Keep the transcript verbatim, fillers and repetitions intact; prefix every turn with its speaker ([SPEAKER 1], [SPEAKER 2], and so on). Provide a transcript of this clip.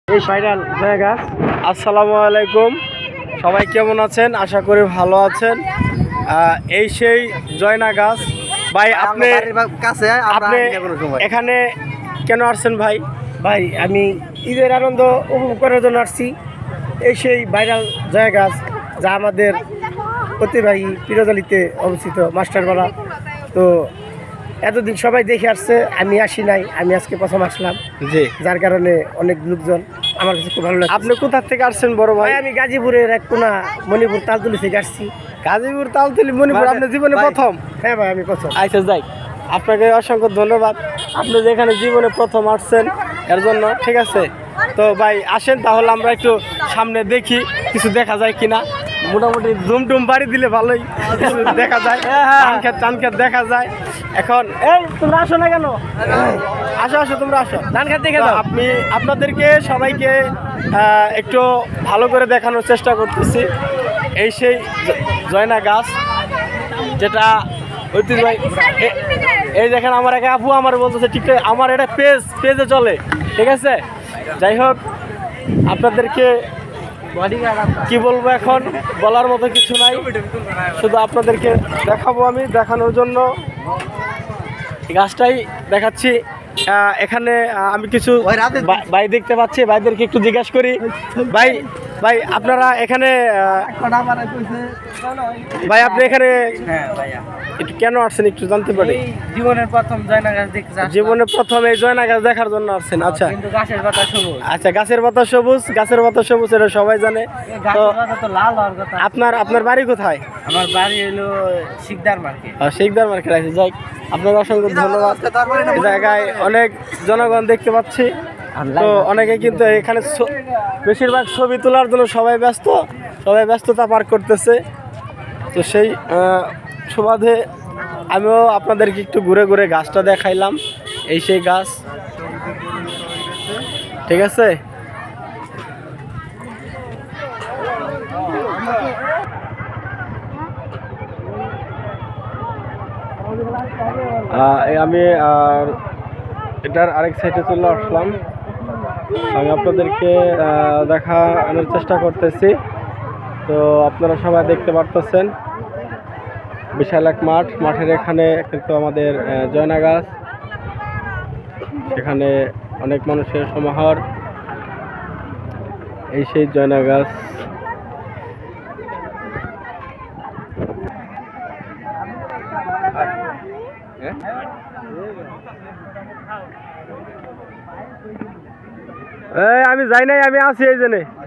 [SPEAKER 1] এই ভাইরাল জায়গা। আসসালামু আলাইকুম, সবাই কেমন আছেন? আশা করি ভালো আছেন। এই সেই জয়না গাছ। ভাই আপনি
[SPEAKER 2] কাছে
[SPEAKER 1] আপনি এখানে কেন আসছেন ভাই?
[SPEAKER 3] ভাই আমি ঈদের আনন্দ উপভোগ করার জন্য আসছি। এই সেই ভাইরাল জায়গা যা আমাদের ঐতিহ্যবাহী পীরজালিতে অবস্থিত মাস্টারপাড়া। তো এতদিন সবাই দেখে আসছে, আমি আসি নাই, আমি আজকে প্রথম আসলাম।
[SPEAKER 1] জি,
[SPEAKER 3] যার কারণে অনেক লোকজন, আমার কাছে খুব ভালো লাগে।
[SPEAKER 1] আপনি কোথা থেকে আসছেন বড় ভাই?
[SPEAKER 3] আমি গাজীপুরের এক কোনা মণিপুর তালতলি থেকে আসছি।
[SPEAKER 1] গাজীপুর তালতলি মণিপুর আপনার জীবনে প্রথম?
[SPEAKER 3] হ্যাঁ ভাই, আমি প্রথম।
[SPEAKER 1] আচ্ছা যাই, আপনাকে অসংখ্য ধন্যবাদ, আপনি যেখানে জীবনে প্রথম আসছেন এর জন্য। ঠিক আছে, তো ভাই আসেন তাহলে আমরা একটু সামনে দেখি কিছু দেখা যায় কিনা। মোটামুটি ধুম টুম বাড়ি দিলে ভালোই কিছু দেখা যায়, ধান খেত টান খেত দেখা যায়। এখন এই তোমরা আসো না কেন? আসো আসো তোমরা আসো, ধান খেত দেখে দাও। আপনি আপনাদেরকে সবাইকে আহ, একটু ভালো করে দেখানোর চেষ্টা করতেছি। এই সেই জয়না গাছ, যেটা ঐতিহ্যবাহী। এই দেখেন আমার এক আপু আমার বলতেছে ঠিক আমার এটা পেজ পেজে চলে। ঠিক আছে, যাই হোক আপনাদেরকে কি বলবো, এখন বলার মতো কিছু নাই, শুধু আপনাদেরকে দেখাবো। আমি দেখানোর জন্য গাছটাই দেখাচ্ছি। এখানে আমি কিছু ভাই দেখতে পাচ্ছি, ভাইদেরকে একটু জিজ্ঞাসা করি। ভাই ভাই আপনারা এখানে ভাই আপনি এখানে একটু কেন আসছেন একটু জানতে পারি?
[SPEAKER 2] জীবনের প্রথম জয়না গাছ দেখতে
[SPEAKER 1] জীবনের প্রথম এই জয়না গাছ দেখার জন্য আসছেন? আচ্ছা,
[SPEAKER 2] কিন্তু গাছের পাতা সবুজ।
[SPEAKER 1] আচ্ছা, গাছের পাতা সবুজ, গাছের পাতা সবুজ এটা সবাই জানে। তো
[SPEAKER 2] তো লাল হওয়ার কথা।
[SPEAKER 1] আপনার আপনার বাড়ি কোথায়?
[SPEAKER 2] আমার বাড়ি হলো শিকদার মার্কেট।
[SPEAKER 1] শিকদার মার্কেট আছে। যাই, আপনার অসংখ্য ধন্যবাদ। এই জায়গায় অনেক জনগণ দেখতে পাচ্ছি, তো অনেকে কিন্তু এখানে বেশিরভাগ ছবি তোলার জন্য সবাই ব্যস্ত, সবাই ব্যস্ততা পার করতেছে। তো সেই সুবাদে আমিও আপনাদেরকে একটু ঘুরে ঘুরে গাছটা দেখাইলাম। এই সেই গাছ, ঠিক আছে। আমি আর এটার আরেক সাইডে চলে আসলাম। আমি আপনাদেরকে দেখানোর চেষ্টা করতেছি। তো আপনারা সবাই দেখতে পারতেছেন বিশাল এক মাঠ, মাঠের এখানে কিন্তু আমাদের জয়না গাছ, সেখানে অনেক মানুষের সমাহার। এই সেই জয়না গাছ। আমি যাই নাই, আমি আছি এই জন্যে।